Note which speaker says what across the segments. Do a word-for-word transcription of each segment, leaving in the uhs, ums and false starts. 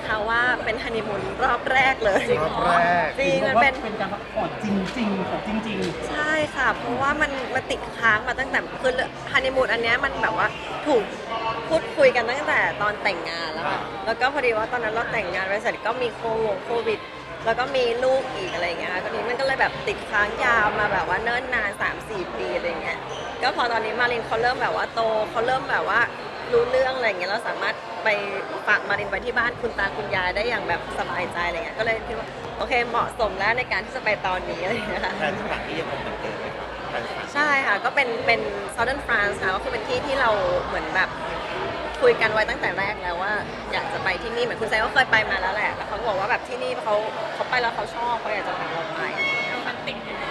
Speaker 1: คะว่าเป็นฮันนีมูนรอบแรกเลย
Speaker 2: รอบแรก
Speaker 1: จริงมันเป็น
Speaker 3: เป็นการพักผ่อนจริงๆของจริงๆ
Speaker 1: ใช่ค่ะ เพราะว่ามันมันติดค้างมาตั้งแต่คือฮันนีมูนอันเนี้ยมันแบบว่าถูกพูดคุยกันตั้งแต่ตอนแต่งงานแล้วค่ะแล้วก็พอดีว่าตอนนั้นเราแต่งงานไปเสร็จก็มีโควงโควิด แล้วก็มีลูกอีกอะไรอย่างเงี้ยค่ะตอนนี้มันก็เลยแบบติดค้างยาวมาแบบว่าเนิ่นนาน สามสี่ ปีอะไรเงี้ยก็พอตอนนี้มารินเขาเริ่มแบบว่าโตเขาเริ่มแบบว่ารู้เรื่องอะไรเงี้ยเราสามารถไปฝากมารินไว้ที่บ้านคุณตาคุณยายได้อย่างแบบสบายใจอะไรเงี้ยก็เลยคิดว่าโอเคเหมาะสมแล้วในการที่จะไปตอนนี้อะไรเงี้ยค่ะ
Speaker 2: แผนสถานที่ยังคงเหมือนเดิมไหมครับแผนสถานที่
Speaker 1: ใช่ค่ะก็เป็นเป็น Southern France ค่ะก็คือเป็นที่ที่เราเหมือนแบบคุยกันไว้ตั้งแต่แรกแล้วว่าอยากจะไปที่นี่เหมือนคุณไซก็เคยไปมาแล้วแหละแต่เขาก็บอกว่าแบบที่นี่เขาเขาไปแล้วเขาชอบเขาอยากจะพาเราไปอะไรอย่างเงี้ยค่ะ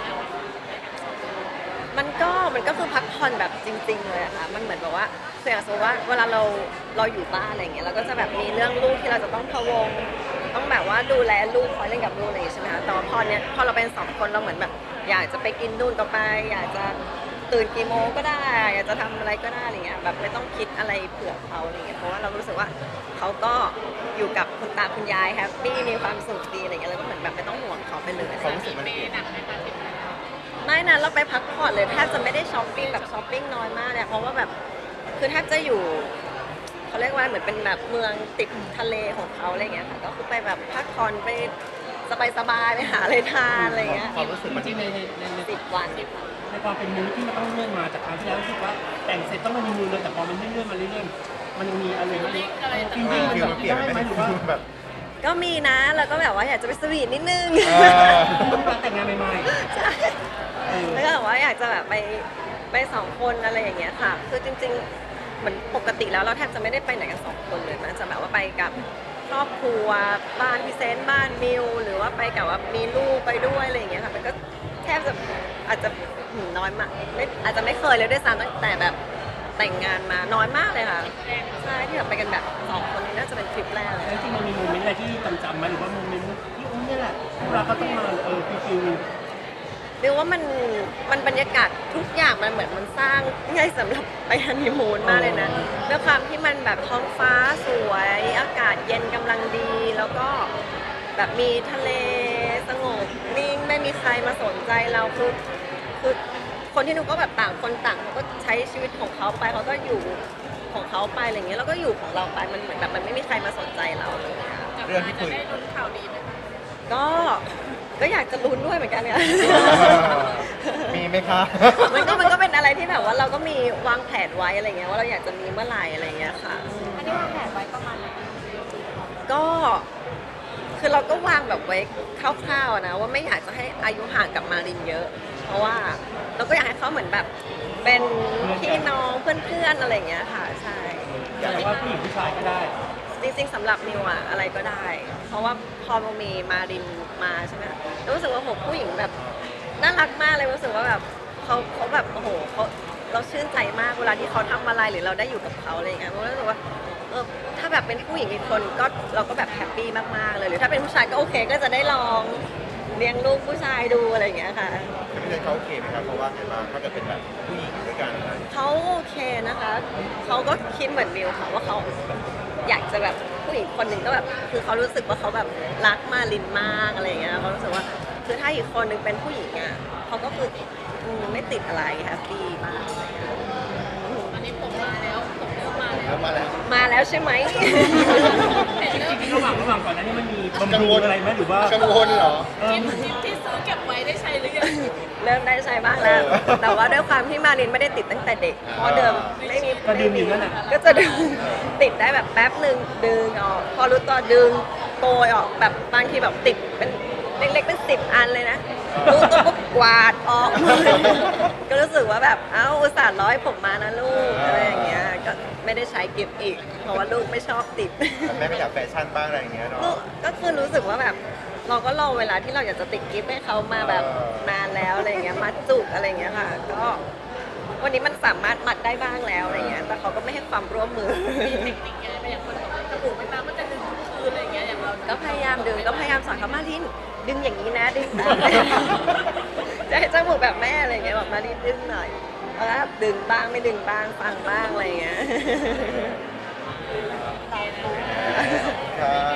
Speaker 1: มันก็มันก็คือพักผ่อนแบบจริงๆเลยอะค่ะมันเหมือนแบบว่าคืออย่างสมมติว่าเวลาเราเราอยู่บ้านอะไรอย่างเงี้ยเราก็จะแบบมีเรื่องลูกที่เราจะต้องพะวงต้องแบบว่าดูแลลูกคอยเล่นกับลูกอะไรอย่างงี้ใช่ไหมคะแต่ว่าพอเนี้ยพอเราเป็นสองคนเราเหมือนแบบอยากจะไปกินนู่นก็ไปอยากจะตื่นกี่โมงก็ได้อยากจะทำอะไรก็ได้อะไรเงี้ยแบบไม่ต้องคิดอะไรเผื่อเขาอะไรเงี้ยเพราะว่าเรารู้สึกว่าเขาก็อยู่กับคุณตาคุณยายแฮปปี้มีความสุขดีอะไรเงี้ยแล้วก็เหมือนแบบไม่ต้องห่วงเขาไปเลย
Speaker 2: ความรู้สึกมันเปลี่ยน
Speaker 1: ไม่นะเราไปพักผ่อนเลยแทบจะไม่ได้ช้อปปิ้งแบบช้อปปิ้งน้อยมากเลยเพราะว่าแบบคือแทบจะอยู่เขาเรียกว่าเหมือนเป็นแบบเมืองติดทะเลของเขาอะไรเงี้ยค่ะก็คือไปแบบพักผ่อนไปสบายๆไปหาอะไรทานอะไรเงี้ย
Speaker 2: ความรู้สึกมัน
Speaker 3: จริงๆในในในใน
Speaker 1: สิบวัน
Speaker 3: ในความเป็นมูดที่มันต้องเลื่อนมาจากครั้งที่แล้วรู้สึกว่าแต่งเสร็จต้องมามีมูลเลยแต่พอมันเลื่อนๆมาเรื่อยๆมันยังมีอะไรไหมฟิล
Speaker 2: ฟิ
Speaker 3: ลิ่ง
Speaker 2: ล
Speaker 3: มัน
Speaker 2: ฟิล
Speaker 3: แบบ
Speaker 2: มันเปลี่ยน
Speaker 3: ได้
Speaker 2: ไหม
Speaker 3: ไหมหรือว่า
Speaker 2: แบบ
Speaker 1: ก็มีนะแล้วก็แบบว่าอยากจะไปสวีทนิดนึง
Speaker 2: เออ
Speaker 3: การแต่งงานใหม่
Speaker 1: ใช่
Speaker 3: ๆเออ
Speaker 1: แล้วก็แบบว่าอยากจะแบบไปไปสองคนอะไรอย่างเงี้ยค่ะ คือจริงๆเหมือนปกติแล้วเราแทบจะไม่ได้ไปไหนกันสองคนเลยมันจะแบบว่าไปกับครอบครัวบ้านพี่เซนต์บ้านมิวหรือว่าไปกับว่ามีลูกไปด้วยอะไรอย่างเงี้ยค่ะมันก็แทบจะอาจจะหืมน้อยมากไม่อาจจะไม่เคยเลยด้วยซ้ำตั้งแต่แบบแต่งงานมาน้อยมากเลยค่ะใช่ที่แบบไปกันแบบสองคนนี้น่าจะเป็นทริปแรกเลย
Speaker 3: แล้วจริงๆมันมีโมเมนต์อะไรที่จำๆไหมหรือว่าโมเมนต์ที่อุ้มเนี่ยแหละพวกเราก็ต้องมาเออฟิล
Speaker 1: เรียกว่ามันมันบรรยากาศทุกอย่างมันเหมือนมันสร้างง่ายสำหรับไปฮันนีมูนมากเลยนะด้วยความที่มันแบบท้องฟ้าสวยอากาศเย็นกำลังดี แล้วก็แบบมีทะเลสงบนิ่งไม่มีใครมาสนใจเราคือคือคนที่นูก็แบบต่างคนต่างเขาก็ใช้ชีวิตของเขาไปเขาก็อยู่ของเขาไปอะไรเงี้ยแล้วก็อยู่ของเราไปมันเหมือนแบบมันไม่มีใครมาสนใจเราเลยอะ
Speaker 2: เรื่องที่คุย
Speaker 1: ก็ก็อยากจะลุ้นด้วยเหมือนกันเนี่ย
Speaker 2: มีไหมคะ
Speaker 1: มันก็มันก็เป็นอะไรที่แบบว่าเราก็มีวางแผนไว้อะไรเงี้ยว่าเราอยากจะมีเมื่อไหร่อะไรเงี้ยค่ะ
Speaker 4: อันนี้วางแผนไว้ประมาณไหน
Speaker 1: ก็คือเราก็วางแบบไว้คร่าวๆนะว่าไม่อยากจะให้อายุห่างกับมารินเยอะ เพราะว่าเราก็อยากให้เขาเหมือนแบบเป็นพี่น้องเพื่อนๆอะไรเงี้ยค่ะใช่
Speaker 3: ๆแต่ว่าผู้หญิงผู้ชายก็ได้
Speaker 1: จริงๆสำหรับนิวอะอะไรก็ได้ เพราะว่าพอมันมีมารินมาใช่ไหมรู้สึกว่าโหผู้หญิงแบบน่ารักมากเลยรู้สึกว่าแบบเขาเขาแบบโอ้โหเขาเราชื่นใจมากเวลาที่เขาทำอะไรหรือเราได้อยู่กับเขาอะไรอย่างเงี้ยเรารู้สึกว่าเออถ้าแบบเป็นผู้หญิงอีกคนก็เราก็แบบแฮปปี้มากๆเลยหรือถ้าเป็นผู้ชายก็โอเคก็จะได้ลองเลี้ยงลูกผู้ชายดูอะไรอย่างเงี้ยค่ะ
Speaker 2: พี่เซนเขาโอเคไหมครับเพราะว่าไงบ้างถ้าเกิดเป็นแบบผู้หญิงด้วยกันอะไร
Speaker 1: เขาโอเคนะคะเขาก็คิดเหมือนมิวค่ะว่าเขาอยากจะแบบผู้หญิงคนหนึ่งก็แบบคือเขารู้สึกว่าเขาแบบรักมารินมากอะไรอย่างเงี้ยเขารู้สึกว่าคือถ้าอีกคนหนึ่งเป็นผู้หญิงอ่ะเขาก็คืออืมไม่ติดอะไรแฮปปี้มากอะไรเงี้ย
Speaker 4: ตอนนี้ผมมาแล้วผมเริ่มมาแล้ว
Speaker 2: แล้วมาแล้ว
Speaker 1: มาแล้วใช่ไหม
Speaker 3: จริงๆระหว่างระหว่างก่อนหนั้านนี่มันมี
Speaker 2: กัง
Speaker 3: บำ
Speaker 2: ว
Speaker 3: รุ
Speaker 2: ล
Speaker 3: งอะไรไหมหรือว่า
Speaker 2: กังวลเหรอ
Speaker 3: เออ
Speaker 4: ที่ที่ซื้อเก็บไว้ได้ใช้หรือยัง
Speaker 1: เริ่มได้ใช้บ้างแล้ว
Speaker 2: เออ
Speaker 1: แต่ว่าด้วยความที่มารินไม่ได้ติดตั้งแต่เด็กเพราะเดิมไม่มี
Speaker 3: ก็ดื่มอยู่นั่นแหละ
Speaker 1: ก็จะดึงติดได้แบบแป๊บหนึ่งดึงออกพอรู้ตัวดึงโกยออกแบบบางทีแบบติดเป็นเล็กๆเป็นสิบอันเลยนะรู้ตัวปุ๊บกวาดออก ก็รู้สึกว่าแบบเอ้าอุตส่าห์ร้อยผมมานะลูกอะไรอย่างเงี้ยก็ไม่ได้ใช้กิฟต์อีก เพราะว่าลูกไม่ชอบติด
Speaker 2: แต่แม่ก็อยากแฟชั่นบ้างอะไรอย่างเงี้ยเนาะ
Speaker 1: ก็ก็คือรู้สึกว่าแบบเราก็รอเวลาที่เราอยากจะติดกิฟต์ให้เขามาแบบ
Speaker 2: เออ
Speaker 1: นานแล้วอะไรอย่างเงี้ยมัดจุกอะไรอย่างเงี้ยค่ะ ก็วันนี้มันสามารถมัดได้บ้างแล้วอะไรเงี้ยแต่เขาก็ไม่ให้ความร่วมมือ
Speaker 4: มีเทคนิคไงไปอย่างคนบอกว่าจมูกไม่มาก็จะดึงทุกคืนอะไรอย่างเงี้ยอย่างเรา
Speaker 1: ก็พยายามดึงก็พยายามสอนเขามาลินดึงอย่างนี้นะดึงตาม จะให้จมูกแบบแม่อะไรเงี้ยบอกมาลินดึงหน่อยแล้วก็ดึงบ้างไม่ดึงบ้างฟังบ้างอะไรเงี้ย
Speaker 2: ค่ะ
Speaker 1: ขอบ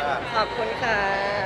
Speaker 1: อบคุณค่ะ